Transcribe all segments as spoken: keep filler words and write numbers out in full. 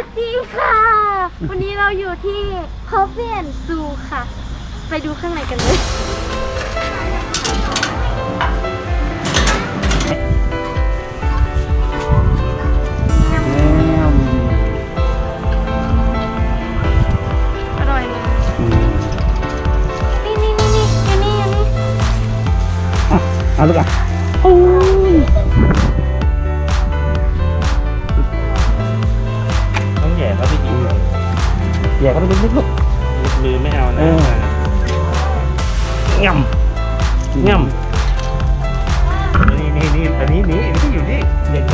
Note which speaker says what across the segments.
Speaker 1: วัสดีค่ะวันนี้เราอยู่ที่ Coffee and Zoo ค่ะ ไปดูข้างในกันเลยอร่อยนะนี่นี่นี่นี่อันนี้อันนี้
Speaker 2: เอาลูกอ่ะโอ้ย
Speaker 3: ต้องแย่เขาไปกินก่อน
Speaker 2: แย่เขาไปนิดๆลูก
Speaker 3: มือไม่เอานะง่ำง่ำนี่นี่นี่อันนี้นี่นี่อยู่นี่เด็กกัน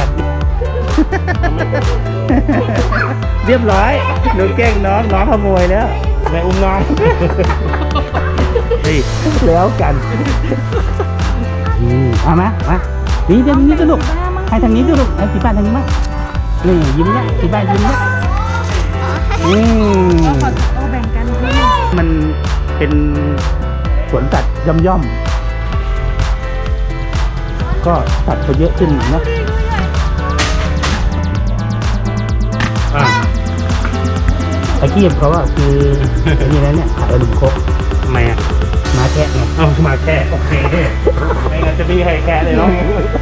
Speaker 2: เรียบร้อยหนูแกล้งน้องน้องขโมยแล้ว
Speaker 3: แม่อุ้มน้องเฮ้ย
Speaker 2: แล้วกันอืมเอามามานี่เดี๋ยวนี้ก็ลูกให้ทางนี้ด้วยลูกให้สีบ้านทางนี้มานี่ยิ้มเนี่ยสีบ้านยิ้มเนี่ยอืม
Speaker 1: เอาแบ่งกัน
Speaker 2: มันเป็นสวนสัตว์ย่อมย่อมๆก็สัตว์เขาเยอะขึ้นเนาะ
Speaker 3: อ่ะ
Speaker 2: อาชีพเขาว่าคือไอ้นี่นะเนี่ยขายขนมครก
Speaker 3: ทำไมอ่ะ
Speaker 2: มาแค่ไง
Speaker 3: เอามาแค่โอเคไม่งั้นจะมีใครแค่เลยเนาะ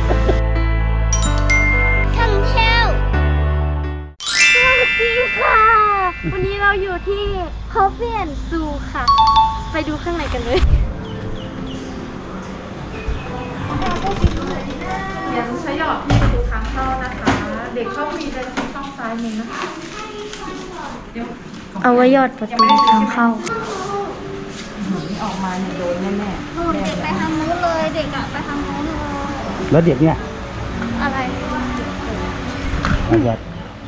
Speaker 1: ท่องเที่ยวสวัสดีค่ะวันนี้เราอยู่ที่ Coffee and Zoo ค่ะ ไปดูข้างในกันเลย
Speaker 4: ยังใช้หยอดที่ประตูทางเข้านะคะ เด็กเข้าฟรีเดินช่องซ้ายมือนะคะเดี๋ยว
Speaker 1: เอาไว้ยอดประตูทางเข้า
Speaker 4: ออกมาเนี่ยโดนแน่ๆ
Speaker 1: เด็กไปทางนู้นเลยเด็กอะไปทางนู้นเลย
Speaker 2: แล้วเด็กเนี่ย
Speaker 1: อะไร
Speaker 2: มันจะ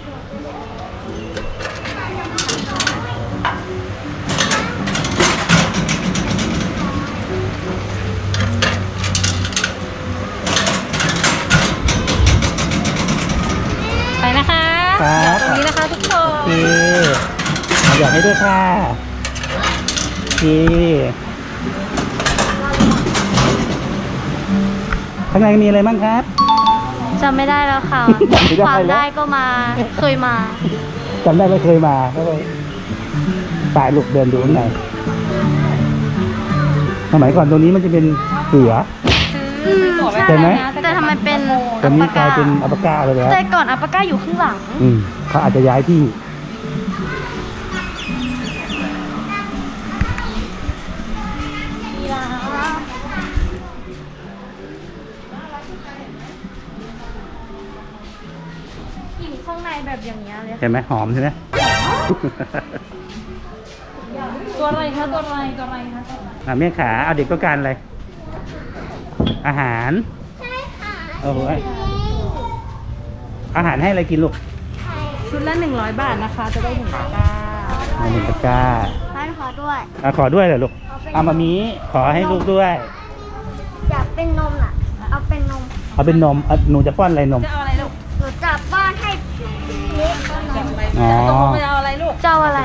Speaker 4: ไปนะคะ
Speaker 2: ครับ
Speaker 4: ตรงนี้นะคะทุกค
Speaker 2: โอน เคเอาอยากให้ด้วยค่ะโอเคข้างในมีอะไรบ้างครับ
Speaker 1: จำไม่ได้แล้วค่ะ
Speaker 2: จำไม่ได้
Speaker 1: ความ
Speaker 2: แล้ว
Speaker 1: ได้ก็มา เคยมา
Speaker 2: จำได้ไม่เคยมาก็เลยตายลูกเดินดูข้างในสมัยก่อนตรงนี้มันจะเป็นเสือ
Speaker 1: อืม
Speaker 2: ใช่ไหม
Speaker 1: แต่ทำไมเป็น
Speaker 2: ตอนนี้กลายเป็นอัปปาก้าไปแล้ว
Speaker 1: แต่ก่อนอัปปาก้าอยู่ข้างหลัง
Speaker 2: อืมเขาอาจจะย้ายที่
Speaker 1: อยู่ข้างในแบบอย่างเงี้ยเลย
Speaker 2: เห็นไหมหอมใช่ไหม
Speaker 4: ตัวอะไรคะตัวอะไรตัวอะไรคะตัวอะไร
Speaker 2: อ่ะแม่ขาเอาเด็กต้องการอะไร อาหาร
Speaker 1: ใช่ค่ะ
Speaker 2: โอ้โหอาหารให้อะไรกินลูก
Speaker 4: ชุดละหนึ่งร้อยบาทนะคะ จะได้หนึ่งตะกร้า
Speaker 2: เอาหนึ่งตะกร้า
Speaker 1: ร้านขอด้วย
Speaker 2: อ่ะขอด้วยเหรอลูกเอามามีขอให้ลูกด้วย
Speaker 1: อยากเป็นนมอ่ะ เอาเป็นนม
Speaker 2: เอาเป็นนมอ่ะหนูจะป้อนอะไรนม
Speaker 4: จะเอาอะไรลูก
Speaker 1: หนูจับบ้านให้เล็กนม
Speaker 2: อ๋อ
Speaker 4: ตกลงจะเอาอะไรลูก
Speaker 1: เจ้าอะไร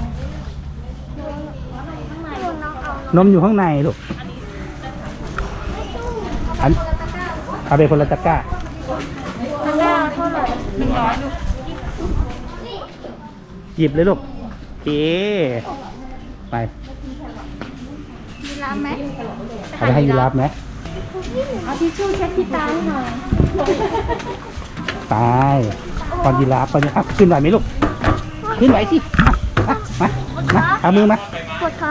Speaker 2: นมอยู่ข้างในลูกอันเอาไปคนละตะกร้า
Speaker 1: ตะกร้าเท่าไหร่
Speaker 4: หนึ่งร้อยลูก
Speaker 2: หยิบเลยลูกโอเคไป
Speaker 1: มีร้านไหม
Speaker 2: เอาไปให้ยีราฟไหม
Speaker 1: เอาทิชชู่เช็ดที่ตาให้หน่อย
Speaker 2: ตายตอนยีราฟตอนนี้อ่ะขึ้นไหวไหมลูกขึ้นไหวสิอ่ะอ่ะมามาเอามือมา
Speaker 1: ปวดขา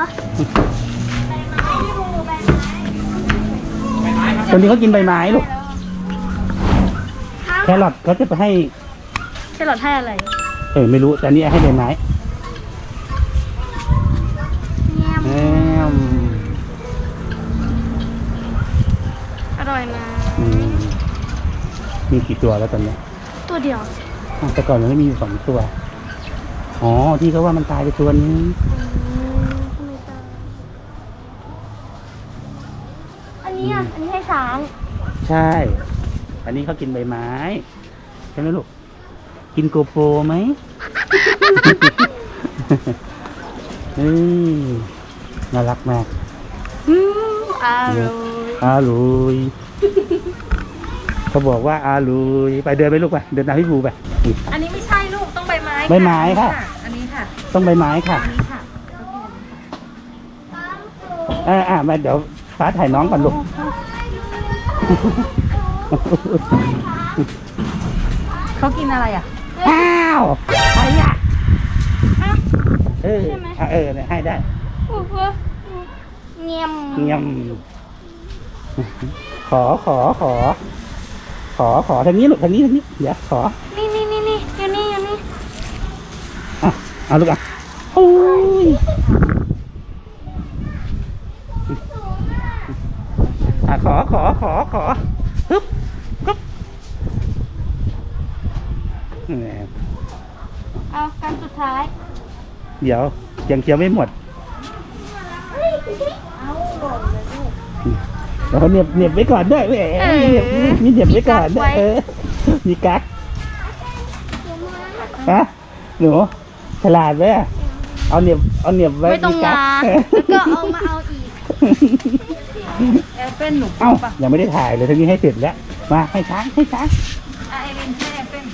Speaker 2: ตอนนี้เขากินใบไม้ลูกแครอทเขาจะไปให้
Speaker 1: แครอทให้อะไร
Speaker 2: เออไม่รู้แต่อันนี้ให้ใบไม้
Speaker 1: แง่ม
Speaker 2: แอม
Speaker 1: อร่อยนะ
Speaker 2: อืมมีกี่ตัวแล้วตอนนี้
Speaker 1: ตัวเดียว
Speaker 2: อ่ะแต่ก่อนมันไม่มีอยู่สองตัวอ๋อที่เขาว่ามันตายไปตัวนึง
Speaker 1: อันนี้อ่ะ อันนี้ให้ช้าง
Speaker 2: ใช่ อันนี้เขากินใบไม้ใช่ไหมลูกกินโกโปรไหม เฮ้ยน่ารักมาก
Speaker 1: อืมอร่อย
Speaker 2: อาลุยเขาบอกว่าอาลุยไปเดินไปลูกไปเดินตามพี่บูไป
Speaker 4: อันนี้ไม่ใช่ลูกต้องใบไม้
Speaker 2: ใบไม้ค่ะ
Speaker 4: อันนี้ค่ะ
Speaker 2: ต้องใบไม้ค่ะ
Speaker 4: อันนี้ค่ะ
Speaker 2: อ่าอ่ามาเดี๋ยวฟ้าถ่ายน้องก่อนลูก
Speaker 4: เขากินอะไรอ่ะ
Speaker 2: อ้าวใครอ่ะเอออ่ะเออเนี่ยให้ได้
Speaker 1: โอ้โหเงียบ
Speaker 2: เงียบขอขอขอ ขอขอทางนี้ลูกทางนี้ทางนี้เดี๋ยวขอ
Speaker 1: นี่นี่นี่นี่อยู่นี่อยู่นี่
Speaker 2: อ่ะเอาลูกอ่ะโอ้ยอ่ะขอขอขอขอฮึบฮึบแหม
Speaker 1: เอาการสุดท้าย
Speaker 2: เดี๋ยวยังเคี้ยวไม่หมดเดี๋ยวเขาเหน็บเหน็บไว้ก่อนด้วยแหมเหน็บมีเหน็บไว้ก่อนด้วยเออมีกั๊กฮะหนูฉลาดไหมอะเอาเหน็บเอาเหน็บไว้
Speaker 1: ไม่ต้อง
Speaker 2: กั๊
Speaker 1: มาก แล้วก็เอามาเอาอีก
Speaker 4: แอปเปิ้ลหนู
Speaker 2: เอ้ายังไม่ได้ถ่ายเลยทั้งนี้ให้เสร็จแล้วมาให้ช้างให้ช้าง
Speaker 4: อ่ะไอรินให้แอปเปิ้ล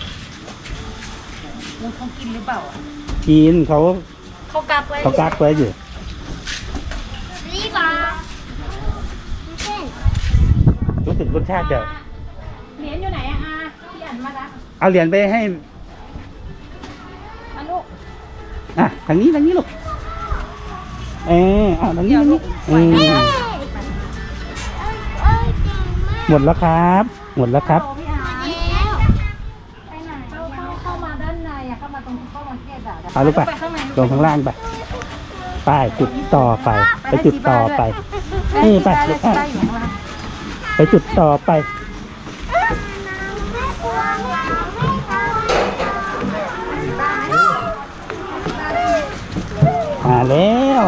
Speaker 4: มูเขากินหรือเปล่าอ่ะ
Speaker 2: กินเขา
Speaker 1: เขากักไว้
Speaker 2: เขากักไว้อยู่
Speaker 1: นี่ปลาเส้น
Speaker 2: รู้สึกรสชาติจะ
Speaker 4: เหรียญอยู่ไหนอ่ะอาพี่อ่านมาละ
Speaker 2: เอาเหรียญไปให้
Speaker 4: มาลูก
Speaker 2: อ่ะทางนี้ทางนี้ลูกเออเอาทางนี้ทางนี้เออ
Speaker 1: เอ้ยเอ้ยเก่งมาก
Speaker 2: หมดแล้วครับ หมดแล้วครับ
Speaker 4: โอ้พี่อาร์
Speaker 1: แล้วไปไหน
Speaker 4: เข้าเข้าเข้ามาด้านในอ่ะเข้ามาตรงเข้ามาเทศอ่ะ
Speaker 2: เอาลูกไป
Speaker 4: ข้างใน
Speaker 2: ลงข้างล่างไปไปจุดต่อไป ไปจุดต่อไป นี่ไป
Speaker 4: ได้ได้ได้อยู่ข้างล่าง
Speaker 2: ไปจุดต่อไป มาแล้ว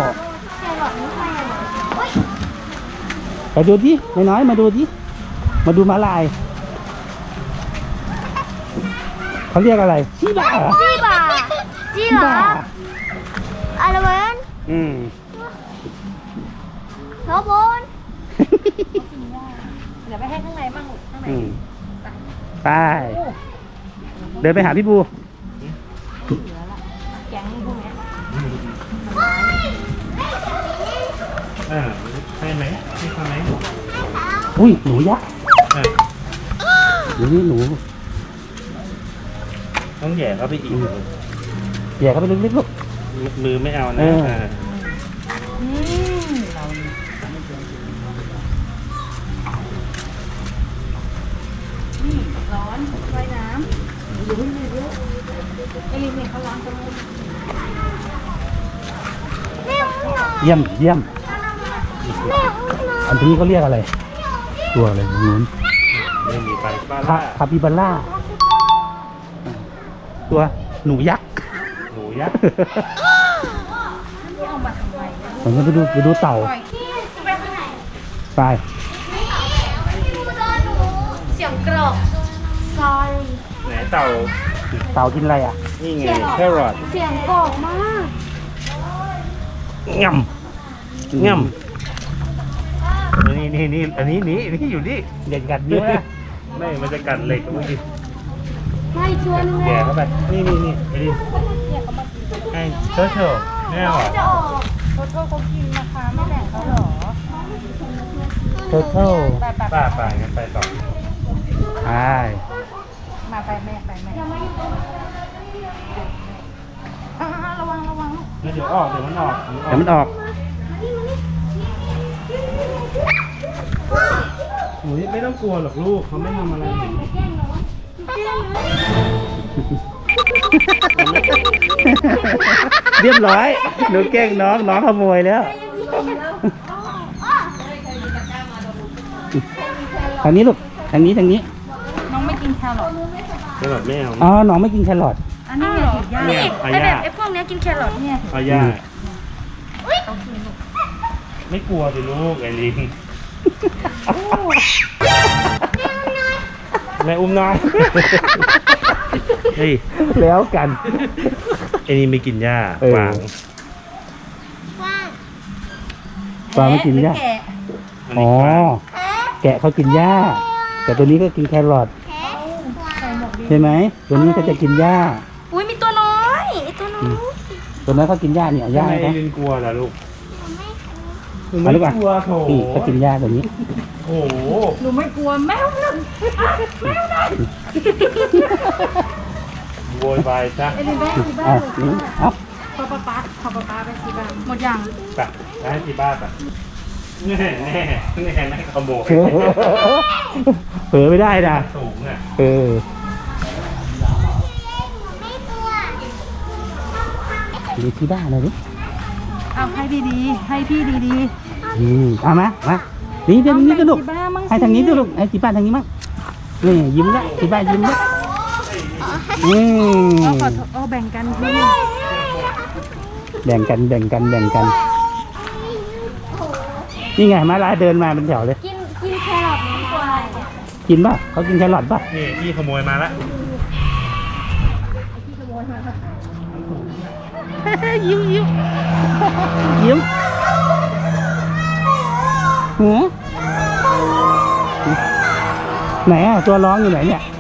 Speaker 2: ไปดูดิน้อยๆมาดูดิมาดูม้าลายเขาเรียกอะไรชีบ้าเหรอ
Speaker 1: จีบาจีเหรออะไรเว้น
Speaker 2: อืม
Speaker 1: โรบอน
Speaker 4: เดี๋ยวไปให้ข้างในบ้างลูกข้างใน
Speaker 2: อืมไปเดินไปหาพี่บู
Speaker 4: แก๊งพวกเนี้ย
Speaker 3: อ่าให้ไหมให้เขาไหม
Speaker 2: อุ้ยหนูยักษ์
Speaker 3: อ่ะ
Speaker 2: เดี๋ยวนี้หนู
Speaker 3: ต้องแหย่เข้าไปอีก
Speaker 2: แย่เข้าไปลึกๆลูก
Speaker 3: มือไม่เอา
Speaker 2: เอ
Speaker 3: นะ
Speaker 2: ออ่
Speaker 3: า
Speaker 4: อืมเรานี่ร้อนว่ายน้ำอยู่ที่นี่เยอะไอ้ลินเนี่ยเขาล้างจมูก
Speaker 1: แม่อุ้มหน่อย
Speaker 2: เยี่ยมเยี่ยม
Speaker 1: แม่อุ้มหน่อย
Speaker 2: อันนี้เขาเรียกอะไร ตัวอะไรนู้น
Speaker 3: ไม่มีไปบ้าน
Speaker 2: คา
Speaker 3: ล่า
Speaker 2: คาปิบาร่า ตัวหนูยักษ์
Speaker 3: หนูยักษ์
Speaker 4: นี่เอามาทำไมเนี่ย
Speaker 2: ผมจะไปดูไปดูเต่า
Speaker 4: ปล่อยที่ไปข้างใน
Speaker 2: ไป
Speaker 1: เสียงกรอก sorry
Speaker 3: ไหนเต่า
Speaker 2: เต่ากินอะไรอ่ะ
Speaker 3: นี่ไงแครอท
Speaker 1: เสียงกรอกมาก
Speaker 3: ง่ำง่ำนี่นี่นี่อันนี้นี่นี่อยู่นี่
Speaker 2: เด็กกัดเยอะนะ
Speaker 3: ไม่มันจะกัดเหล็กเมื่อกี้
Speaker 1: ไม่ชวน
Speaker 3: แห
Speaker 1: แล้
Speaker 3: ย่
Speaker 1: ว
Speaker 3: เข้าไปนี่นี่นี่ไอ้ดิไอ้เชิญเชิญแม่หรอ
Speaker 1: จะออก
Speaker 4: โทษโทษเขากินนะคะไม่แบ่งเขาเหรอ
Speaker 2: โทเทิล
Speaker 4: ไปไปไป
Speaker 3: ป้าป่างั้นไปต่อ
Speaker 2: ใช่
Speaker 4: มาไปแม่ไปแม่อ่าระวังระวัง
Speaker 3: เดี๋ยวออกเดี๋ยวมันออก
Speaker 2: เดี๋ยวมันออก
Speaker 3: หนูไม่ต้องกลัวหรอกลูกเขาไม่ทำอะไรหนู
Speaker 2: เรียบร้อยหนูแกล้งน้องน้องขโมยแล้วทางนี้ลูกทางนี้ทางนี้
Speaker 4: น้องไม่กินแครอท
Speaker 3: แครอทไม่เอา
Speaker 2: อ๋อน้องไม่กินแครอท
Speaker 4: อันนี้ไงติดยา
Speaker 3: เนี่ย
Speaker 1: ไอแบบไอพวกเนี้ยกินแครอทเนี่ย
Speaker 3: เอาย่าไม่กลัวสิลูกไอ้ลิงแม่อุ้มน้อยเฮ้ย
Speaker 2: แล้วกัน
Speaker 3: ไอ้นี่ไม่กินหญ้า
Speaker 2: เออ
Speaker 3: วาง
Speaker 1: ว่าง
Speaker 2: ปลาไม่กินหญ้า
Speaker 4: แกะ
Speaker 3: อัน
Speaker 2: อ๋
Speaker 3: นี้
Speaker 2: อ
Speaker 3: วาง
Speaker 2: แกะเขากินหญ้า แต่ตัวนี้ก็กินแครอท
Speaker 1: แพ้
Speaker 4: ใส่หมวกดี
Speaker 2: ใช่ไหมตัวนี้ก็จะกินหญ้า
Speaker 1: อุ้ยมีตัวน้อยไอตัวน้อย
Speaker 2: ตัวนั้นเขากินหญ้าเนี่ยหญ้า
Speaker 3: ทำไม
Speaker 2: นะ
Speaker 3: ลินกลัวล่ะลูกหนู
Speaker 2: มา
Speaker 3: ไม่
Speaker 2: ลูกอ่ะ
Speaker 3: กลัวโถ
Speaker 2: นี่เขากินหญ้าตัวนี้
Speaker 3: โอ้โห
Speaker 4: หนูไม่กลัวแมวนั่นแมวนั่น
Speaker 3: โวยวายจ้ะ
Speaker 4: เอลินแม่ที่บ้า
Speaker 2: อ่ะ
Speaker 4: น
Speaker 2: นี่เอ้า
Speaker 4: พอป๊าป๊าขอป๊าป๊าไปที่บ้านหมดยัง
Speaker 3: ไปไปให้ที่บ้านไปแน่แน่แน่แม่ขโมย
Speaker 2: เผลอเผลอไม่ได้นะ
Speaker 3: สูงอ่ะ
Speaker 2: เออดูที่บ้านเลยดิ
Speaker 4: เอาให้ดีๆให้พี่ดี
Speaker 2: อืมเอามามานี่
Speaker 4: ๆ
Speaker 2: เดี๋ยวนี้ก็ลูก
Speaker 4: เอาแบ่งที่บ้านมั่งสิ
Speaker 2: ให้ทางนี้ด้วยลูกให้ที่บ้านทางนี้มั้งนี่ยิ้มละที่บ้านยิ้มละอืม
Speaker 4: เอาขอโทษเอาแบ่งกันพี่
Speaker 2: แบ่งกันแบ่งกันแบ่งกันนี่ไงมาลาเดินมาเป็นแถวเลย
Speaker 1: กินกินแครอทดีกว่า
Speaker 2: กินป่ะเขากินแครอทป่ะ
Speaker 3: นี่พี่ขโมยมาละ
Speaker 2: ยิ้มยิ้มยิ้มหือไหนอ่ะตัวร้องอยู่ไหนเนี่ย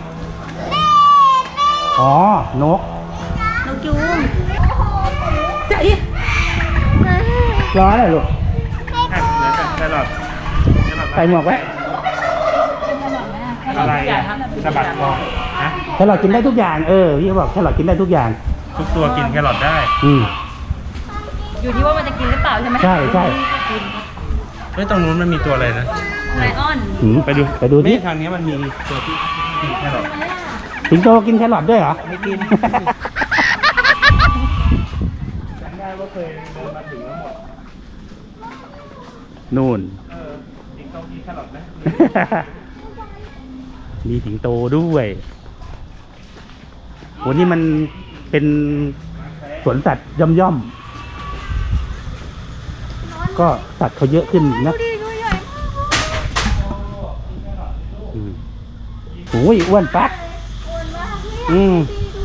Speaker 2: อ๋อนก
Speaker 1: นกยูง
Speaker 4: จะอีก
Speaker 2: ร้อนเลยลูก
Speaker 3: อ่ะเดี๋ยวจะแครอทแครอท
Speaker 2: ใส่หมวกไว้
Speaker 3: อะไรอ่ะสะบัดคอฮะ
Speaker 2: แครอทกินได้ทุกอย่างเออพี่เขาบอกแครอทกินได้ทุกอย่าง
Speaker 3: ทุกตัวกินแครอทได้
Speaker 2: อืม
Speaker 4: อยู่ที่ว่ามันจะกินหรือเปล่าใช่ไหม
Speaker 2: ใช่ใช่
Speaker 3: เฮ้ยตรงนู้นมันมีตัวอะไรนะ
Speaker 4: ไลออน
Speaker 2: หืม
Speaker 3: ไปดู
Speaker 2: ไปดูที่
Speaker 3: นี่ทางนี้มันมีตัวที่กินแครอท
Speaker 2: สิงโตกินแครอทด้วยเหรอ
Speaker 3: ไม่กินจำได้ว่าเคยเดินมาถึงแล้วหมด
Speaker 2: นู่น
Speaker 3: เออสิงโตกินแครอทไหม
Speaker 2: มีสิงโตด้วยโหนี่มันเป็นสวนสัตว์ย่อมย่อมๆก็สัตว์เขาเยอะขึ้นนะอืมโอ้ยอ้วนปักอืม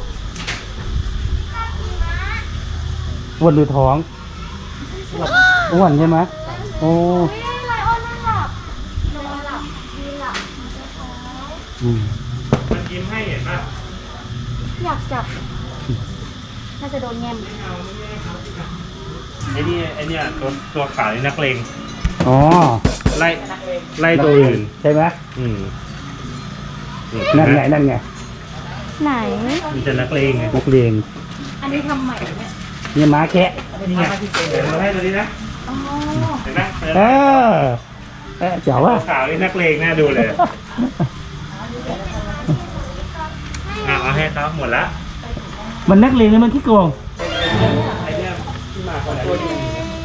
Speaker 2: อ้วนหรือท้องอ้วนใช่ไหมโอ้
Speaker 1: นี่ไลออนไม่หลับนอนหลับยืนหลับ
Speaker 2: อืม
Speaker 3: มันยิ้มให้เห็นป่ะ
Speaker 1: อยากจับน่าจะโดนแงม
Speaker 3: ไอ้นี่ไอ้เนี่ยตัวตัวขาวนี่นักเลง
Speaker 2: อ๋อ
Speaker 3: ไล่ไล่ตัวอื่น
Speaker 2: ใช่ไหม
Speaker 3: อืม
Speaker 2: นั่นไงนั่นไง
Speaker 1: ไหน
Speaker 3: มันจะนักเลงไง
Speaker 2: นักเรียน
Speaker 4: อันนี้ทำใหม่เนี่ย
Speaker 2: นี่ม้าแคะ
Speaker 3: นี่ไงเดี๋ยวเราให้ตัวนี้นะ
Speaker 4: อ๋อ
Speaker 3: เห็นไหม
Speaker 2: เออเออเจ๋ว
Speaker 3: ตัว
Speaker 2: ว่ะ
Speaker 3: ขาวนี่นักเลงน่าดูเลยอ่ะเอาให้เขาหมดละ
Speaker 2: มันนักเรียนหรือมันขี้โกง
Speaker 3: ไอ้เนี่ยที่มาคนไหน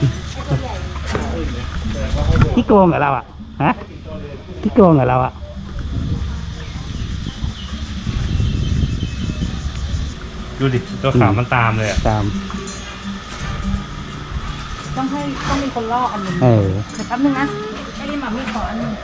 Speaker 2: ขี้โกงกับเราอ่ะฮะขี้โกงกับเราอ่ะ
Speaker 3: ดูดิตัวขาวมันตามเลยอ่ะ
Speaker 2: ตาม
Speaker 4: ต้องให้ต้องมีคนล่ออันหนึง
Speaker 2: เออ
Speaker 4: เดี๋ยวแป๊บนึงนะไอ้นี่หมามีขออันหนึง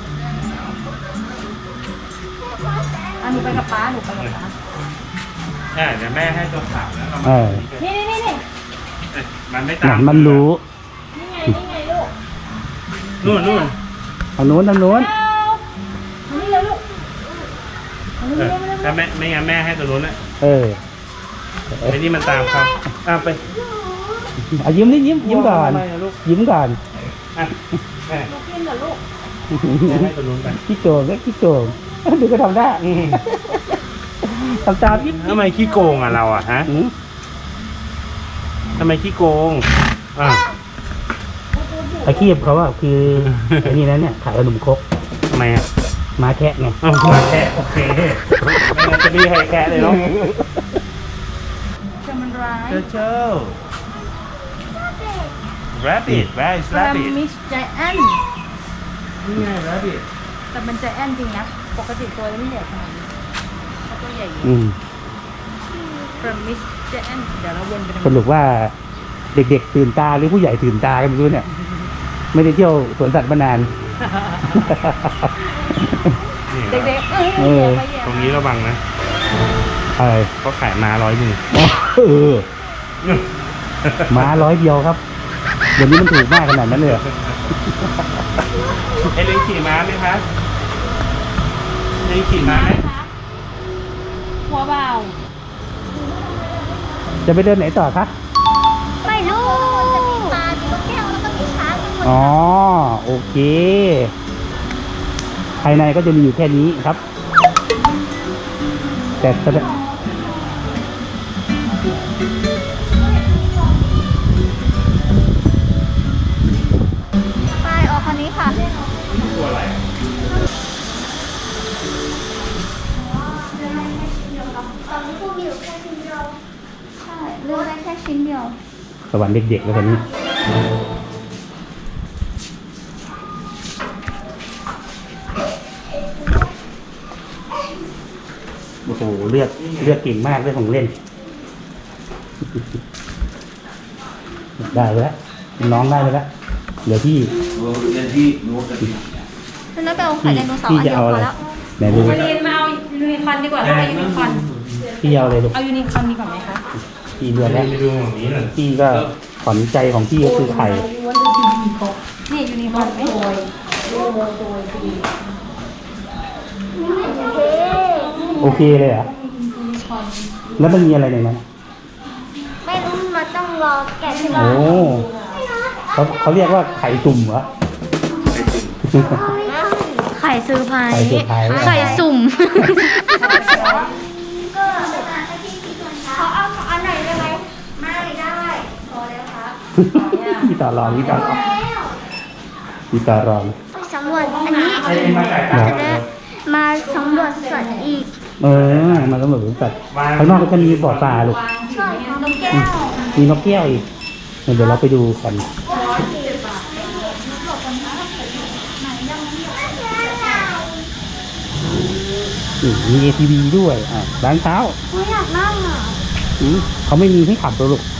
Speaker 4: อันหนูไปกับป้าหนูไปกับป้า
Speaker 3: อ่ะเดี๋ยวแม่ให้ตัวขาวแล้วเรา
Speaker 2: เอ
Speaker 3: มา
Speaker 2: อ
Speaker 4: นี่นี่นี่นี่
Speaker 3: เอ้ยมันไม่
Speaker 2: ห
Speaker 3: ตา
Speaker 2: นั
Speaker 3: ม
Speaker 2: งมันรู้
Speaker 4: นี่ไงนี่ไงลูก
Speaker 3: นู่นนู่น
Speaker 2: เอาโน้นทางโน้น
Speaker 4: เอานี่เลยลูกเอานี่
Speaker 3: เอ
Speaker 4: เล
Speaker 3: อย
Speaker 4: เลย
Speaker 3: ถ้าแม่ไม่งั้นแม่ให้ตัวนู้นนะ
Speaker 2: เออ
Speaker 3: ไอ้นี่มันตามเขาอ่ะไป
Speaker 2: เอายิ้มนิดยิ้มยิ้มก่อน
Speaker 3: ทำไมะลูก
Speaker 2: ยิ้มก่อน
Speaker 3: อ่ะแม่
Speaker 4: ลูกกินเหรอลูก
Speaker 3: แม่ให้ตัวนู้นไป
Speaker 2: ขี้โกงก็ขี้โกงดูก็ทำได้
Speaker 3: อืม
Speaker 2: ทำตามยิ้ม
Speaker 3: ทำไมขี้โกงอ่ะเราอ่ะฮะ
Speaker 2: อืม
Speaker 3: ทำไมขี้โกงอ่ะ
Speaker 2: อาชีพเขาว่าคือไอ้นี่นะเนี่ยขายขนมครก
Speaker 3: ทำไมอ่ะ
Speaker 2: ม้าแคะไง
Speaker 3: อ้าวมาแค่โอเคไม่งั้นจะมีใครแค่เลยเนาะ
Speaker 4: จะมันร้าย
Speaker 3: เจ้าเจ้า rabbit where is
Speaker 4: แรม
Speaker 3: rabbit
Speaker 4: มิสใจแอน
Speaker 3: นี่ไง rabbit
Speaker 4: แต่มันใจแอนจริงนะปกติตัวไม่ใหญ่ขนาดนี้เขาตัวใหญ่อยู่
Speaker 2: อืม
Speaker 4: แรมมิสใจแอนเดี๋ยวเราวนไปตรง
Speaker 2: สรุปว่าเด็กๆตื่นตาหรือผู้ใหญ่ตื่นตากันไม่รู้เนี่ย ไม่ได้เที่ยวสวนสัตว์มานาน
Speaker 3: นี่
Speaker 4: เด็กๆเออ
Speaker 2: เออ
Speaker 4: แย่ไปแย่
Speaker 3: ตรงนี้ระวังนะ
Speaker 2: อะไร
Speaker 3: เขาขายมาร้อยหนึ่ง
Speaker 2: เออม้าร้อยเดียวครับ เดี๋ยวนี้มันถูกมากขนาดนั้นเลยเหรอ
Speaker 3: ไอ้ลิงขี่ม้าไหมคะลิงขี่ม้าไหม
Speaker 4: หัวเบา
Speaker 2: จะไปเดินไหนต่อคะ
Speaker 1: ไม่รู้จะมีปลามีนกแก้วแล้วก็มีช้างมีคน
Speaker 2: อ๋อโอเคภายในก็จะมีอยู่แค่นี้ครับ แต่แต่
Speaker 1: ไปออกคันนี้ค่ะ
Speaker 3: ตัวอะไร
Speaker 1: ตอนนี้พวกมีอยู่แค่ชิ้นเดียวใช่เลือกได้แค่ชิ้นเดียว
Speaker 2: สวรรค์เด็กๆแล้วคนนี้โอ้โหเลือกเลือกเก่งมากเรื่องของเล่น ได้ไปแล้วน้องได้ไปแล้วเดี๋ยวพี่
Speaker 1: แล้วไปเอาไข่ไดโนเสาร์
Speaker 2: พี่
Speaker 1: อัน
Speaker 2: จะ
Speaker 1: เดียว
Speaker 2: เอา
Speaker 1: พ
Speaker 2: อะไร
Speaker 1: อแล้ว
Speaker 2: ไหนดู
Speaker 4: มาเรียนมาเอายูนิคอร์นดีกว่าถ้าเอายูนิคอร์น
Speaker 2: พี่เอาอะไรลูก
Speaker 4: เอายูนิคอร์นดีกว่าไหมคะ
Speaker 2: พี่เลือกแล้ว
Speaker 3: ไปดูของนี้หน่อย
Speaker 2: พี่ก็ขวัญใจของพี่ก็คือไข่
Speaker 4: นี่ยูนิคอร์นไหม
Speaker 2: โอเคเลยเหรอแล้วมันมีอะไรในนั้น
Speaker 1: ไม่รู้มันต้องรอแกะใช่ไหม
Speaker 2: โอ้เขาเขาเรียกว่าไข่ตุ่มเหรอ
Speaker 1: ไข่ซื้อไพร
Speaker 2: ไข่ซื้อไพร
Speaker 1: ไข่สุ่มเขาเอาอันไหนได้ไหมไม่ได้พอแล้วครับ
Speaker 2: พี่ต่อรองพี่ต่อรองพี่ต่อรอง
Speaker 1: สำรวจอันนี้
Speaker 2: นะ
Speaker 1: จะได้มาสำรวจสัตว์อีก
Speaker 2: เออมันก็เหมือนสัตว์ข้างนอกก็จะมีบ่อปลาลูก
Speaker 1: ใช่นกแก้ว
Speaker 2: มีนกแก้วอีกเดี๋ยวเราไปดูกันอืมมี เอ ที วี ด้วยอ่ะร้านเช้า
Speaker 1: ไม่อยากนั่งอ่ะ
Speaker 2: อืมเขาไม่มีให้ขับตัวลูก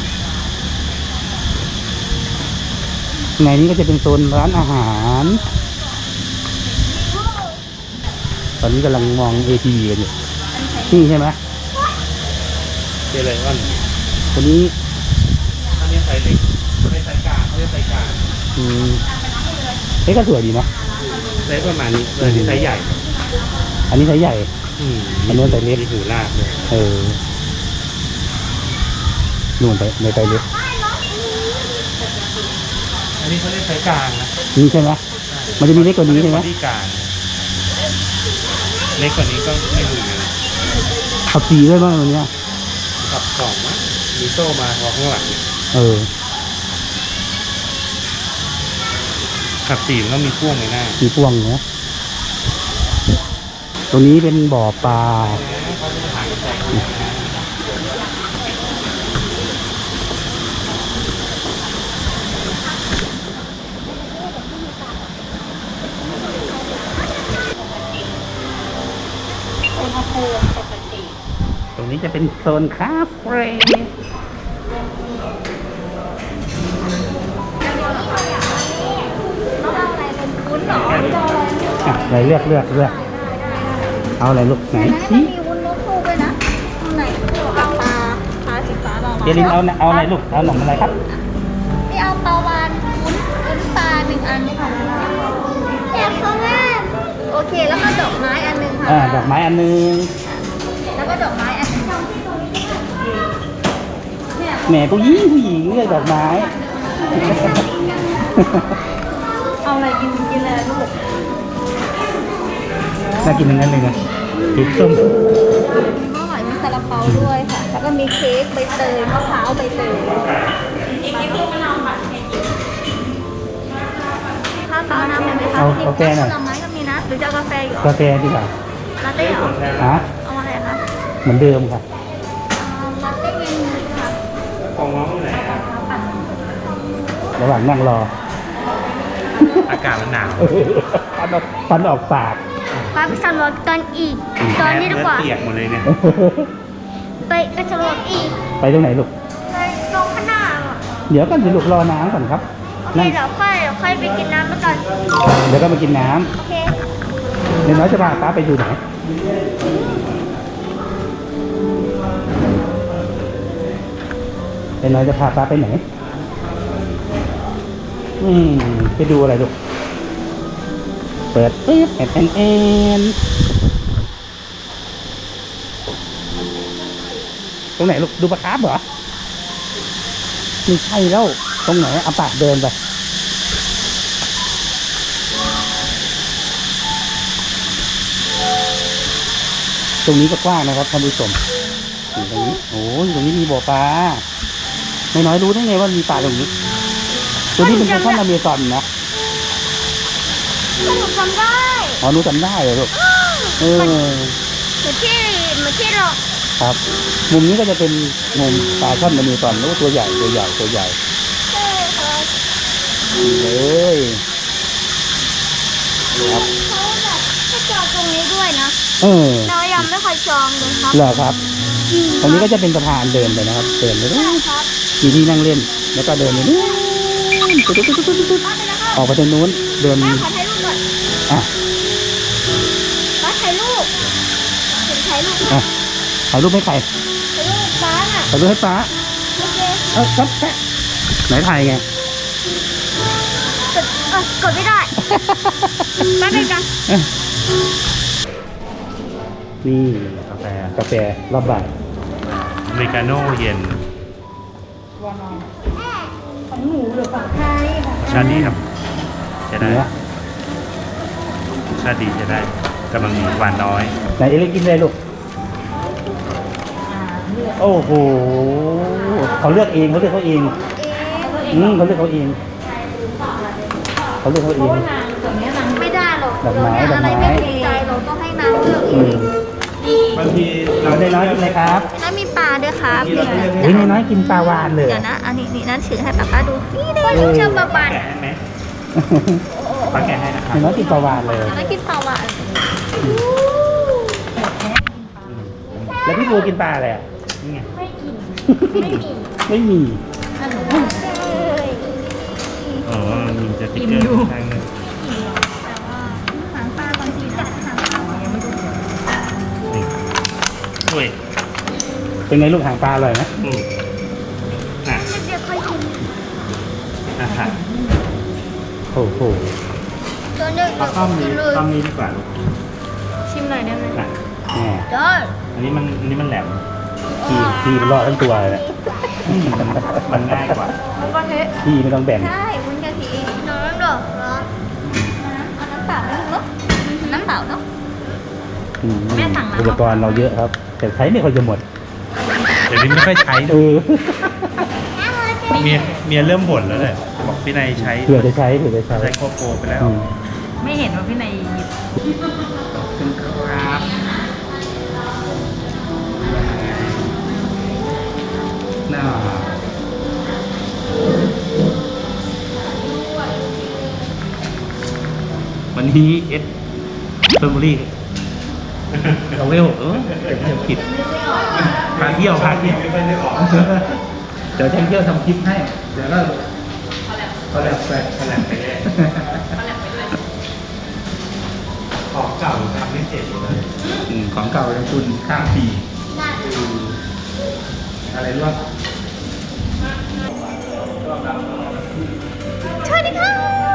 Speaker 2: ในนี้ก็จะเป็นโซนร้านอาหาร ตอนนี้กำลังมอง เอ ที วี กันอยู่นี่ใช่ไหม
Speaker 3: เป็นอะไรวะ
Speaker 2: ตัวนี้
Speaker 3: อันนี้ไซส์เล็กไม่ไซส์กลางเขาเรียกไซส์กลาง
Speaker 2: อืมเอ๊ะก็สวยดีนะ
Speaker 3: ไซส์ประมาณนี้เลยที่ไซส์ใหญ่
Speaker 2: อันนี้ไซส์ใหญ่
Speaker 3: อืม
Speaker 2: อันนู้นไซส์เล็ก
Speaker 3: มีหูลากเลย
Speaker 2: เออนู่นไปในไซส์เล็ก
Speaker 3: อันนี้เขาเรียกไซส์กลางนะ
Speaker 2: นี่ใช่ไหมมันจะมีเล็กกว่านี้ใช่ไหม
Speaker 3: ที่กลางเล็กกว่านี้ก็ไม่รู้นะ
Speaker 2: ขับสีด้วยบ้างวันเนี้ย
Speaker 3: ขับสองมั้งมีโซ่มาพอข้างหลังเนี่ย
Speaker 2: เออ
Speaker 3: ขับสี่มันก็มีพ่วงในหน้า
Speaker 2: มีพ่วงเนี้ยตรงนี้เป็นบ่อปลา
Speaker 3: เขาจะถ่ายใส่
Speaker 2: ตรงนี้จะเป็นโซนคาเฟ่อ่ะไหนเลือกเลือกเลือกเอาอะไรลูกไหน
Speaker 1: อันนี้มันมีวุ้นนกคู่ด้วยนะข้างในเอาปลาปลาสีฟ้าเรา
Speaker 2: เจลินเอาเอาอะไรลูกเอาหนมอะไรครับ
Speaker 1: นี่เอาปลาวานวุ้นวุ้นปลาหนึ่งอันนี่ค่ะอยากเขาแม่โอเคแล้วก็ดอกไม้อันหนึ่งค่ะ
Speaker 2: อ่าดอกไม้อันนึง
Speaker 1: แล้วก็ดอกไม้อันหนึ่ง
Speaker 2: แหมผู้หญิงผู้หญิงเลือกดอกไม้
Speaker 4: เอาอะไรกินกินอะไรลูก
Speaker 2: น่ากินทั้งนั้นเลยนะพริกส้ม
Speaker 1: มีมะหอยมีซาลาเปาด้วยค่ะ แล้วก็มีเค้กใบเตยมะพร้าวใบเตยข้าวเปล่าน้ำไหมคะ
Speaker 2: เอากาแฟหน่อย
Speaker 1: ผลไม้ก็มีนะ หรือจะเอากาแฟอยู่
Speaker 2: กาแฟดีกว่า
Speaker 1: ลาเต้เหรอ
Speaker 2: ฮะ
Speaker 1: เอาอะไรคะ
Speaker 2: เหมือนเดิมค่ะ
Speaker 1: เอาลาเต้เย็นค่ะ
Speaker 3: ของน้องไหนอะ
Speaker 2: ระหว่างนั่งรอ
Speaker 3: อากาศมันหนาว
Speaker 2: ฟันออกฟันออกปาก
Speaker 1: ป้าไปสำรวจตอนอีก ตอนนี้ดีกว่า
Speaker 3: เนื้อเปียกหมดเลยเนี่ย
Speaker 1: ไปไปสำรวจอีก
Speaker 2: ไปตรงไหนลูก
Speaker 1: ไปตรงข้างหน้าอ่ะ
Speaker 2: เดี๋ยวก็เดี๋ยวลูกรอน้ำก่อนครับ
Speaker 1: โอเค
Speaker 2: นั่ง
Speaker 1: เดี๋ยวค่อยเดี๋ยวค่อยไปกินน้ำแล้วกัน
Speaker 2: เดี๋ยวก็มากินน้
Speaker 1: โอเค
Speaker 2: ำเดี๋ยวน้อยจะพาป้าไปดูไหนเดี๋ยวน้อยจะพาป้าไปไหน อืมไปดูอะไรลูก เปิดปึ๊บแอนแอนแอน
Speaker 1: น
Speaker 2: ตรงไหนลูกดูปลาคาร์ฟเหรอไม่ใช่แล้วตรงไหนเอาปากเดินไปตรงนี้ก็กว้างนะครับท่านผู้ชมตรงนี้โอ้ยตรงนี้มีบ่อปลาไม่น้อยรู้ได้ไงว่ามีปลาตรงนี้ตัวนี้เป็นท่านอเมซอนนะ
Speaker 1: หนูจำได้
Speaker 2: อ๋อหนูจำได้เหรอลูกเออ
Speaker 1: เหมือนที่เหมือนที่เรา
Speaker 2: ครับ มุมนี้ก็จะเป็นมุมปลาช่อนอเมซอนแล้วก็ตัวใหญ่ตัวใหญ่ตัวใหญ่
Speaker 1: ใช่ค่ะ
Speaker 2: นี่เลยครับ
Speaker 1: เขาแบบให้จองตรงนี้ด้วยนะ
Speaker 2: เออ
Speaker 1: เรายังไม่เคยจองเลยครับ
Speaker 2: เหรอครับ
Speaker 1: จริง
Speaker 2: ตรงนี้ก็จะเป็นสะพานเดินไปนะครับเดินไป
Speaker 1: ใช่ครับ
Speaker 2: มีที่นั่งเล่นแล้วก็เดินไปนู่นตุ๊ดตุ๊ดตุ๊ดตุ๊ดตุ๊ด
Speaker 1: ป้าไปแล้วครับ
Speaker 2: ออกไปทางนู้นเดิน
Speaker 1: ป้าขอถ่ายรูปก่อน
Speaker 2: อ่ะ
Speaker 1: ป้าถ่ายรูปถึงถ่ายรูป
Speaker 2: อ่ะถ่ายรูปให้ใคร
Speaker 1: ถ่ายรูปป้าน่ะ
Speaker 2: ถ่ายรูปให้ป้า
Speaker 1: โอเค
Speaker 2: เออครับแค่ไหนถ่ายไง
Speaker 1: กดเออกดไม่ได้ป้าเป็นกัน
Speaker 2: นี่
Speaker 3: กาแฟ
Speaker 2: กาแฟรอบบ่าย
Speaker 3: อเมริกาโน่เย็น
Speaker 4: ของหนูหรือของไทยของ
Speaker 3: ชาติดีครับจะได้
Speaker 2: เนื้อ
Speaker 3: ชาติดีจะได้กำลังดีหวานน้อย
Speaker 2: ไหนเอลิกินเลยลูกโอ้โหเขาเลือกเองเขาเลือกเขาเองอืมเขาเลือกเขาเองเขาเลือกเขาเอง
Speaker 4: นางตัวเนี้ยนาง
Speaker 1: ไม่ได้หรอก
Speaker 2: ดอกไม้
Speaker 1: เดี๋ยวเนี่ยอะไร
Speaker 2: ดอกไม้
Speaker 1: ไม่ถูกใจเราต้องให้นางเลือกเอ
Speaker 2: อื
Speaker 1: ง
Speaker 2: ม
Speaker 3: บางที
Speaker 2: เราได้น้อยกินเลยครับ
Speaker 1: แล้วมีปลาด้วยครับ
Speaker 2: เฮ้ยน้อยๆกินปลาวานเลย
Speaker 1: เดี๋ยวนะอันนี้นี่นั่นถือให้ป้าป้าดูนี่ได้ลูกเชื่อมปลาปาน
Speaker 3: แกะให้ไหมปลาแกะให้นะครับ
Speaker 2: น้อยๆกินปลาวานเลย
Speaker 1: แล้วกินปลาวาน
Speaker 2: แล้วพี่บัวกินปลาอะไรอ่ะ
Speaker 3: นี่ไง
Speaker 1: ไม่กินไม่มี
Speaker 2: ไม่มี
Speaker 1: เลย
Speaker 3: อ๋อมีจะติ๊กเกอร์ทางนึง
Speaker 1: หางปลาบางทีจับหางปลายังไม่รู้
Speaker 3: นี่อุ้ย
Speaker 2: เป็นไงลูกหางปลาอร่อยไหม
Speaker 3: อืมอ่ะ
Speaker 1: เดี๋ยวค่อยกิน
Speaker 3: อ่ะค่ะ
Speaker 2: โอ้โห
Speaker 1: ตัวนึง
Speaker 3: เอาต้อมนี้ต้อมนี้ดีกว่าลูก
Speaker 1: ชิมหน่อยได้ไหม
Speaker 3: อ่ะ
Speaker 2: แหม
Speaker 1: ได้
Speaker 3: อันนี้มันอันนี้มันแหลม
Speaker 2: พี่พี่มันรอดทั้งตัวเลยนะ
Speaker 3: มันง่ายกว่า
Speaker 4: แล้วก็เทะ
Speaker 2: พี่ไม่ต้องแบ่ง
Speaker 1: ใช่วุ้นกะทิน้ำดอกเหรอเอาน้ำเปล่าไหมลูกน้ำเปล่าเนาะ
Speaker 2: อืมอุปกรณ์เราเยอะครับ แต่ใช้ไม่ค่อยจะหมด
Speaker 3: เดี๋ยวนี้ไม่ค่อยใช้
Speaker 2: เออ
Speaker 3: เมียเมียเริ่มบ่นแล้วเลยบอกพี่นายใช้
Speaker 2: เผื่อจะใช้เผื่อจะใช้
Speaker 3: ใช้โคโปรไปแล้ว
Speaker 2: อืม
Speaker 4: ไม่เห็นว่าพี่นายหยิบ
Speaker 2: เป็นครับน่าวันนี้เอสเฟอร์มูรี่เราเวลเออแต่เที่ยวผิดพาเที่ยวพาเที่ยว
Speaker 3: ไม่ได้ออก
Speaker 2: เดี๋ยวแจ้งเที่ยวทำคลิปให้ เดี๋ยวก็ก็แล้วไป
Speaker 3: ขนาดไปเลยของเก่าทำไม่เสร็จหมดเลย
Speaker 2: อืมของเก่ายังคุณข้ามปีอะไรรู้ป่ะ
Speaker 1: สวัสดีค่ะ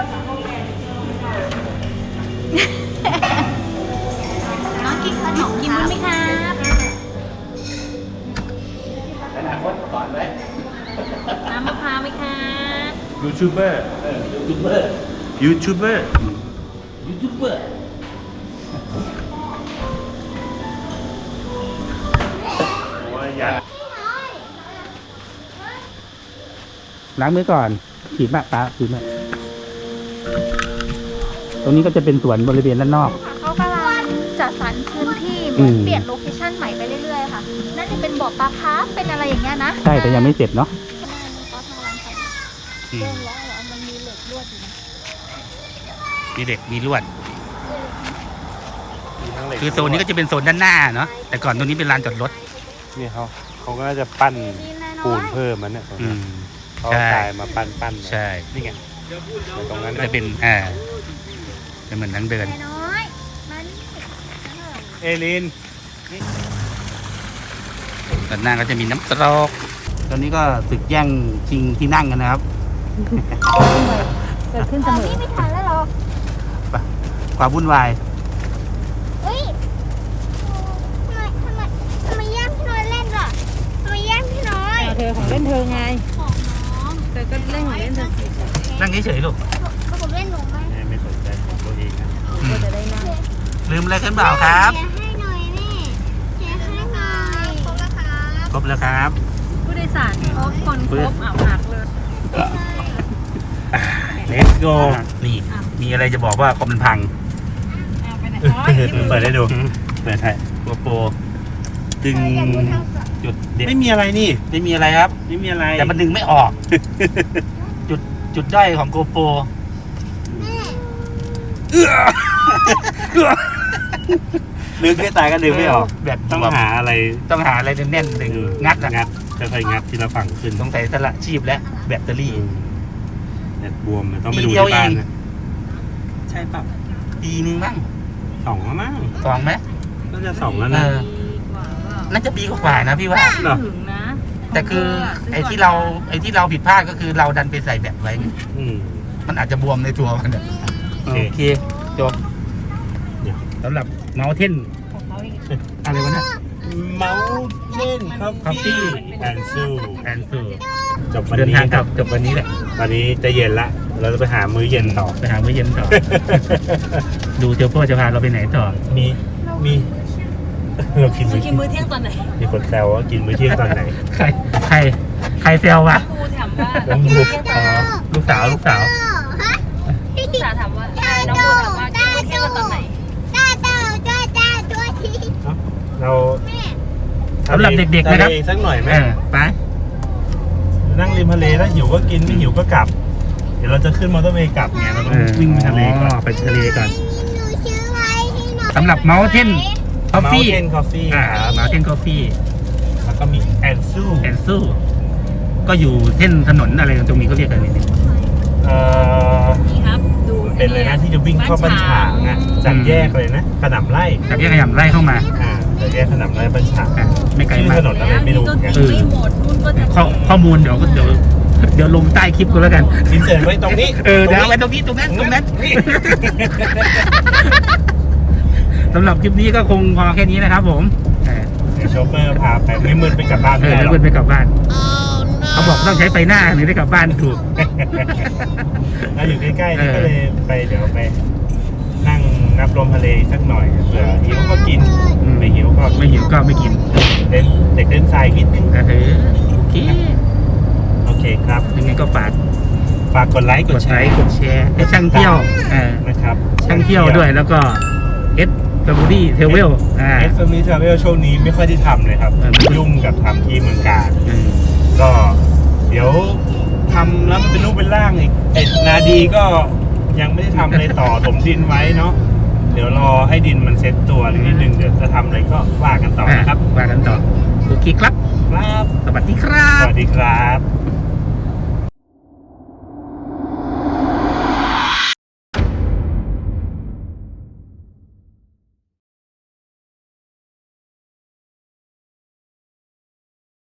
Speaker 1: น้องกินขนมกินไหมครับ
Speaker 2: อนาคตก่อนไหม
Speaker 4: น้ำมะพร้าวไหมคะ
Speaker 3: ยูทูบเบอร์
Speaker 2: เออยูทูบเบอร์
Speaker 3: ยูทูบเบอร์
Speaker 2: ยูทูบเบอร์
Speaker 3: ว่าอยาก
Speaker 2: ล้างมือก่อนขีดมากตาขีดมากตรงนี้ก็จะเป็นสวนบริเวณด้านนอก
Speaker 1: เขากำลังจัดสรรพื้นที่เห
Speaker 2: อื
Speaker 1: มือน
Speaker 2: ม
Speaker 1: เปลี่ยนโลเคชั่นใหม่ไปเรื่อยๆค่ะน่าจะเป็นบ่อปลาคาร์ฟเป็นอะไรอย่างเงี้ยนะ
Speaker 2: ใช่แต่ยังไม่เสร็จเนาะ
Speaker 1: เขาทำรังไข่
Speaker 2: อืม
Speaker 1: เริ่มแล้วเหรอมันมีเหล็กลวดอยู่นะ
Speaker 2: มีเด็กมีลวด
Speaker 3: มีทั้งเหล็ก
Speaker 2: คือโซนนี้ก็จะเป็นโซนด้านหน้าเนาะแต่ก่อนตรงนี้เป็นลานจอดรถ
Speaker 3: นี่เขาเขาก็น่าจะปั้น
Speaker 1: มีนายน้
Speaker 3: ปู
Speaker 1: อน ย
Speaker 3: เพิ่มมันเนี่ย
Speaker 2: อืม
Speaker 3: เขา
Speaker 2: ใช่
Speaker 3: เอาทรายมาปั้นปั้น
Speaker 2: ใช่
Speaker 3: นี่ไงตรงนั้น
Speaker 2: ก็จะเป็นอ่าเป็นเหมือนทางเดิน
Speaker 1: นายน้อยมานี่
Speaker 3: เอลิน
Speaker 2: ด้านหน้าก็จะมีน้ำตกตอนนี้ก็ศึกแย่งชิงที่นั่งกันนะครับ
Speaker 4: เกิดขึ้นเส
Speaker 1: เอา
Speaker 4: มอ
Speaker 1: นี่ไม่ทันแล้วเหรอ
Speaker 2: ความวุ่นวาย
Speaker 1: เฮ้ยทำไมทำไมทำไมย่างพี่น้อยเล่นล่ะทำไม
Speaker 4: ธอของเล่นเธอไง
Speaker 1: ของน้อง
Speaker 4: เธอก็เล่นของเล่นเธอสิ
Speaker 2: นั่งเฉยๆลูก
Speaker 1: ก็ผมเล่นหนูไหม
Speaker 3: แม่ไม่สนใจของตัวเองนะ
Speaker 4: ก็จะได้นั่ง
Speaker 2: ลืมอะไรกันเปล่าครับ
Speaker 1: เชียร์ให้หน่อยแม่เชียร์ให้หน่อยครบแล้วครับ
Speaker 2: ครบแล้วครับ
Speaker 4: ผู้โดยสารครบคนครบอ่าวหักเลย
Speaker 3: Let's go
Speaker 2: นี่ มีอะไรจะบอกว่าคอมมันพัง
Speaker 4: เอาไปไหนอ๋อ
Speaker 3: เปิดให้ดูเปิดให้
Speaker 2: โกโปร
Speaker 3: ดึง
Speaker 2: จุดเด็ด
Speaker 3: ไม่มีอะไรนี่
Speaker 2: ไม่มีอะไรครับ
Speaker 3: ไม่มีอะไร
Speaker 2: แต่มันดึงไม่ออก จุดจุดด้อยของโกโปร
Speaker 3: ดึงไม่ตายก็ดึงไม่ออก
Speaker 2: แบบ
Speaker 3: ต้องหาอะไร
Speaker 2: ต้องหาอะไรแน่นๆดึงงัดอะ
Speaker 3: งัดค่อยๆงัดทีละฝั่งขึ้น
Speaker 2: ต้องใส่สละชีพและแบตเตอรี่
Speaker 3: แบตบวมมันต้องไป
Speaker 2: ปี
Speaker 3: ดู
Speaker 2: เดียว
Speaker 3: ที่บ้าน
Speaker 2: เอง
Speaker 3: นะใช่ปะ
Speaker 2: ปีนึงมั้ง
Speaker 3: สองแล้วมั้ง
Speaker 2: สองไหม
Speaker 3: น่าจะสองแล้ว
Speaker 2: เอ
Speaker 3: นะ
Speaker 2: อ
Speaker 4: ดีกว่าเปล่า
Speaker 2: น่าจะปีกว่าๆนะพี่ว่า
Speaker 3: เหรอ
Speaker 4: ถึงนะ
Speaker 2: แต่คือไอ้ที่เราไอ้ที่เราผิดพลาดก็คือเราดันไปใส่แบตไว้ไง
Speaker 3: อืม
Speaker 2: มันอาจจะบวมในตัวมันอะ
Speaker 3: โอเค
Speaker 2: โอเคจบ
Speaker 3: เดี๋ยว
Speaker 2: สำหรับเมาเทน
Speaker 4: ของเขาอีก
Speaker 2: อะไรวะเนี่ย
Speaker 3: เมาเช่นคอฟ
Speaker 2: Coffee
Speaker 3: ฟี่แอนซู
Speaker 2: แอนซู
Speaker 3: จบวัน
Speaker 2: เดิน
Speaker 3: นี้
Speaker 2: ทาง
Speaker 3: ค
Speaker 2: กลั
Speaker 3: รั
Speaker 2: บบ จบวันนี้แหละ
Speaker 3: ตอนนี้จะเย็นละ เราจะไปหามื้อเย็นต่อ
Speaker 2: ไปหามื้อเย็นต่อ ดูเจ้าพ่อจะพาเราไปไหนต่อ
Speaker 3: มีมีเรากิน
Speaker 4: เธ
Speaker 3: มื้
Speaker 4: อ
Speaker 3: อ
Speaker 4: กินมื้อเที่ยงตอนไหน
Speaker 3: มีคนแซวว่ากินมื้อเที่ยงตอนไหน
Speaker 2: ใครใครใครเซลวะ
Speaker 4: ครูถามว่า
Speaker 3: น้อง
Speaker 4: กิน
Speaker 3: บู
Speaker 4: มื้อเที่ยงต
Speaker 2: อ๋
Speaker 4: อน
Speaker 2: อ
Speaker 4: ไหน
Speaker 2: ลูกสาวลูกสาว
Speaker 1: ฮะ
Speaker 4: ลูกสาวถามว่าน้องครูถามว่ากินมื้อเที่ยงตอนไหน
Speaker 1: จ้าจ้าจ้าจ้าตัวที
Speaker 3: เรา
Speaker 1: แม่
Speaker 2: สำหรับเด็กๆนะครับ
Speaker 3: ทะเลสักหน่อยไหม
Speaker 2: เออไป
Speaker 3: นั่งริมทะเลแล้วหิวก็กินไม่หิวก็กลับ เดี๋ยวเราจะขึ้นมอเตอร์เวย์กลับไงเราต้องวิ่งไปทะเลก่อน
Speaker 2: ไปทะเลก่อน
Speaker 1: หนูชื่อไว้ให้หน่อย
Speaker 2: สำหรับเมาเทนคอฟฟี่
Speaker 3: เทนคอฟฟี่
Speaker 2: อ่าเมาเทนคอฟฟี่
Speaker 3: แล้วก็มีแอนซู
Speaker 2: แอนซูก็อยู่เส้นถนนอะไรตรงนี้ก็เรียกกันนี่
Speaker 3: เอ่อ
Speaker 4: นี่ครับ ดู
Speaker 3: เป็นเลยนะที่จะวิ่งเข้าบ้านฉางอ่ะจากแยกเลยนะขนำไร่
Speaker 2: จากแยกขยำไล่เข้ามา
Speaker 3: อ่าจากแยกขนำไร่บ้านฉาง
Speaker 2: อ่ะไม่ไกล
Speaker 3: ชื่อ
Speaker 2: มา
Speaker 3: ถ
Speaker 2: ก
Speaker 3: นนอะไรไม่รู้
Speaker 4: ก็
Speaker 3: เหมือนกัน
Speaker 4: กินไม่หมดนุ่นก็จะ
Speaker 2: ข้อข้อมูลเดี๋ยวก็เดี๋ยวเดี๋ยวลงใต้คลิปกูแล้วกัน
Speaker 3: อินเสิร์ตไว้ตรงนี้
Speaker 2: เออเดี๋ยวเอาไว้ตรงนี้ตรงนั้นตรงนั้น
Speaker 3: นี่
Speaker 2: สำหรับคลิปนี้ก็คงพอแค่นี้นะครับผมเออ
Speaker 3: เดี๋ยวโชเฟอร์พาไปไม่มืดไปกลับบ้าน
Speaker 2: เอ
Speaker 3: ไม่
Speaker 2: อ
Speaker 3: ได้หร
Speaker 2: แล้ว
Speaker 3: อก
Speaker 2: เพื่อนไปกลับบ้านเขาบอกต้องใช้ไฟหน้าถึงได้กลับบ้านถูก
Speaker 3: เราอยู่ใกล้ๆนี่ก็เลยไปเดี๋ยวไปนั่งนับลมทะเลสักหน่อยเผื่อหิวก็กิน
Speaker 2: อืม
Speaker 3: ไม่หิวก็
Speaker 2: ไม่หิวก็ไม่กิน
Speaker 3: เล่นเด็กเล่นทรายนิดนึง
Speaker 2: เออโอเค
Speaker 3: โอเคครับ
Speaker 2: ยังไงก็ฝาก
Speaker 3: ฝากกดไลค์ก
Speaker 2: ก
Speaker 3: ด
Speaker 2: ด
Speaker 3: แช
Speaker 2: ไล
Speaker 3: ร์
Speaker 2: ค์กดแชร์ให้ช่างเที่ยวเออ
Speaker 3: นะครับ
Speaker 2: ช่างเที่ยวด้วยแล้วก็เอสแฟมิลี่เทเวลอ่า
Speaker 3: เอสมิทราเวลช่วงนี้ไม่ค่อยได้ทำเลยครับ
Speaker 2: เออ
Speaker 3: ยุ่งกับทำที่เมืองการ
Speaker 2: อืม
Speaker 3: ก็เดี๋ยวทำแล้วมันเป็นรูปเป็นร่างอีกเอ็ดนาดีก็ยังไม่ได้ทำอะไรต่อ ถมดินไว้เนาะเดี๋ยวรอให้ดินมันเซ็ตตัวนิดนึงเดี๋ยวจะทำอะไรก็ว่ากันต่อนะครับ
Speaker 2: ว่ากันต่อโอเคครับ
Speaker 3: ครับ
Speaker 2: สวัสดีครับ
Speaker 3: สวัสดีครับ